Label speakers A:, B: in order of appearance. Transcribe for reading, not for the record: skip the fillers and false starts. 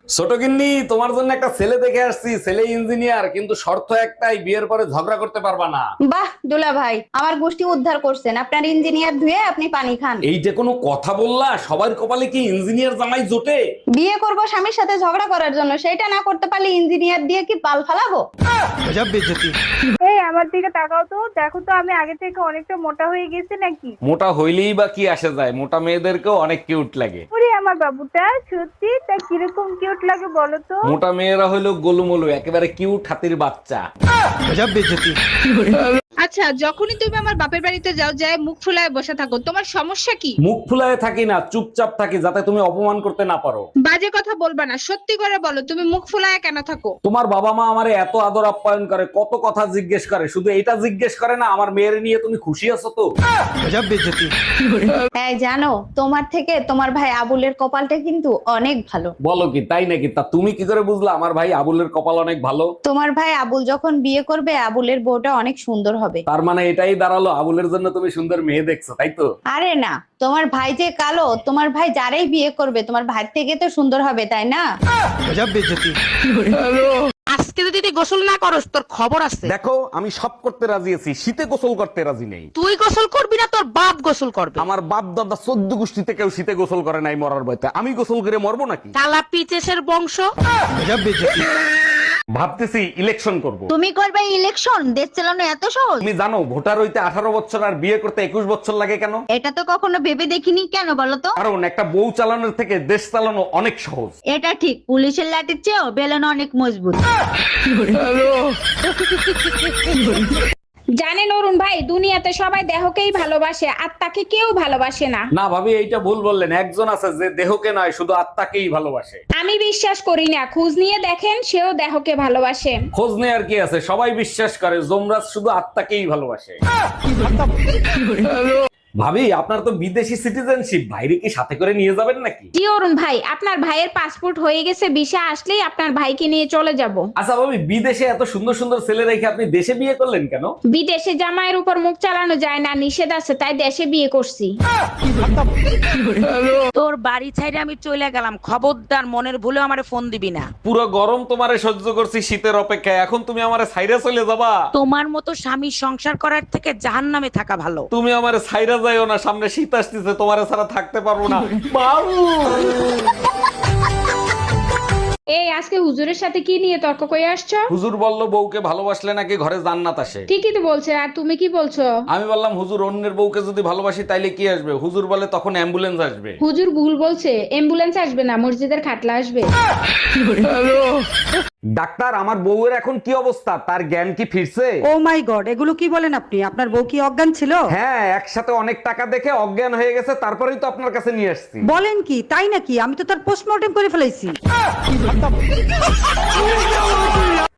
A: ছোট গিন্নি, তোমার জন্য একটা ছেলে দেখে আসছি। ছেলে ইঞ্জিনিয়ার, কিন্তু শর্ত একটাই, বিয়ের পরে ঝগড়া করতে পারবা না।
B: বাহ দুলা ভাই, আমার গোষ্ঠী উদ্ধার করছেন। আপনার ইঞ্জিনিয়ার ধুয়ে আপনি পানি খান।
A: এই যে কোনো কথা বললা, সবার কপালে কি ইঞ্জিনিয়ার জামাই জোটে?
B: বিয়ে করব স্বামীর সাথে ঝগড়া করার জন্য, সেটা না করতে পারলে ইঞ্জিনিয়ার দিয়ে কি পাল ফালাবো?
C: এই আমার দিকে তাকাও তো, দেখো তো আমি আগে থেকে অনেকটা মোটা হয়ে গেছি নাকি।
A: মোটা হইলেই বা কি আসে যায়, মোটা মেয়েদেরকেও অনেক কিউট লাগে।
C: ওরে আমার বাবুটা সত্যি তা কিরকম কিউট লাগে বলো তো।
A: মোটা মেয়েরা হইলো গোলুমলু, একেবারে কিউট হাতির বাচ্চা।
D: আচ্ছা, যখনই তুমি আমার বাপের বাড়িতে যাও, যায় মুখ ফুলায় বসে থাকো, তোমার সমস্যা কি?
A: মুখ ফুলায় থাকি না, চুপচাপ থাকি, যাতে তুমি অপমান করতে না পারো।
D: বাজে কথা বলবা না, সত্যি করে বলো তুমি মুখ ফুলায় কেন থাকো?
A: তোমার বাবা মা আমারে এত আদর আপ্যায়ন করে, কত কথা জিজ্ঞেস করে, শুধু এটা জিজ্ঞেস করে না আমার মেয়ের নিয়ে তুমি খুশি আছো তো?
B: হ্যাঁ জানো, তোমার থেকে তোমার ভাই আবুলের কপালটা কিন্তু অনেক ভালো।
A: বলো কি, তাই নাকি? তা তুমি কি করে বুঝলা আমার ভাই আবুলের কপাল অনেক ভালো?
B: তোমার ভাই আবুল যখন বিয়ে করবে, আবুলের বউটা অনেক সুন্দর হবে।
A: তার মানে এটাই দাঁড়ালো, আবুলের জন্য তুমি সুন্দর মেয়ে দেখছো, তাই তো?
B: আরে না, তোমার ভাই যে কালো, তোমার ভাই যারাই বিয়ে করবে তোমার ভাই থেকে তো সুন্দর হবে, তাই না?
E: আজকে যদি তুই গোসল না করস তোর খবর আছে।
A: দেখো, আমি সব করতে রাজি আছি, শীতে গোসল করতে রাজি নেই।
E: তুই গোসল করবি না, তোর বাপ গোসল করবে।
A: আমার বাপ দাদা 14 গোষ্ঠীতে কেউ শীতে গোসল করে নাই মরার ভয়তে, আমি গোসল করে মরবো নাকি?
E: কালা পিচেসের বংশ।
A: ভাবতেছি ইলেকশন করব।
B: তুমি করবে ইলেকশন? দেশ চালানো এত সহজ?
A: তুমি জানো ভোটার হইতে 18 বছর আর বিয়ে করতে 21 বছর লাগে কেন?
B: এটা তো কখনো ভেবে দেখিনি, কেন বলো তো?
A: কারণ একটা বউ চালানোর থেকে দেশ চালানো অনেক সহজ।
B: এটা ঠিক, পুলিশের লাঠির চেয়েও বেলন অনেক মজবুত।
D: জানেন অরুণ ভাই, দুনিয়াতে সবাই দেহকেই ভালোবাসে, আত্মাকে কেউ ভালোবাসে না।
A: না ভাবি, এইটা ভুল বললেন। একজন আছে যে দেহকে নয়, শুধু আত্মাকেই ভালোবাসে।
D: আমি বিশ্বাস করি না, খোঁজ নিয়ে দেখেন, সেও দেহকে ভালোবাসে।
A: খোঁজ নেয়ার কি আছে, সবাই বিশ্বাস করে যমরাজ শুধু আত্মাকেই ভালোবাসে। ভাবি, আপনার তো বিদেশি সিটিজেনশিপ, বাইরে কি সাথে করে নিয়ে যাবেন নাকি?
D: জি অরুণ ভাই, আপনার ভাইয়ের পাসপোর্ট হয়ে গেছে, ভিসা আসলেই আপনার ভাইকে নিয়ে চলে যাব।
A: আচ্ছা ভাবি, বিদেশে এত সুন্দর সুন্দর ছেলে রেখে আপনি দেশে বিয়ে করলেন কেন?
D: বিদেশে জামাইয়ের উপর মুখ চালানো যায় না, নিষেধ আছে, তাই দেশে বিয়ে করছি।
E: তোর বাড়ি ছাইরে আমি চলে গেলাম, খবরদার মনের ভুলে আমারে ফোন দিবি না।
A: পুরো গরম তোমারে সহ্য করছি শীতের অপেক্ষায়, এখন তুমি আমারে ছাইরা চলে যাবা?
E: তোমার মতো স্বামী সংসার করার থেকে জাহান্নামে থাকা ভালো।
A: তুমি আমারে ছাইরা যাইও না, সামনে শীত আসতেছে, তোমারে ছাড়া থাকতে পারবো না। বাবু,
D: এই আজকে হুজুরের সাথে কি নিয়ে তর্ক করে আসছো?
A: হুজুর বলল বউকে ভালোবাসলে নাকি ঘরে জান্নাত আসে।
D: ঠিকই তো বলছে, আর তুমি কি বলছো?
A: আমি বললাম হুজুর, অন্যের বউকে যদি ভালোবাসি তাইলে কি আসবে? হুজুর বলে তখন অ্যাম্বুলেন্স আসবে।
D: হুজুর ভুল বলছে, অ্যাম্বুলেন্স আসবে না, মসজিদের খাটলা আসবে।
A: ডাক্তার, আমার বউয়ের এখন কি অবস্থা? তার জ্ঞান কি ফিরছে?
F: ও মাই গড, এগুলো কি বলেন আপনি? আপনার বউ কি অজ্ঞান ছিল?
A: হ্যাঁ, একসাথে অনেক টাকা দেখে অজ্ঞান হয়ে গেছে, তারপরেই তো আপনার কাছে নিয়ে আসছি।
F: বলেন কি, তাই নাকি? আমি তো তার পোস্টমর্টেম করে ফেলেছি।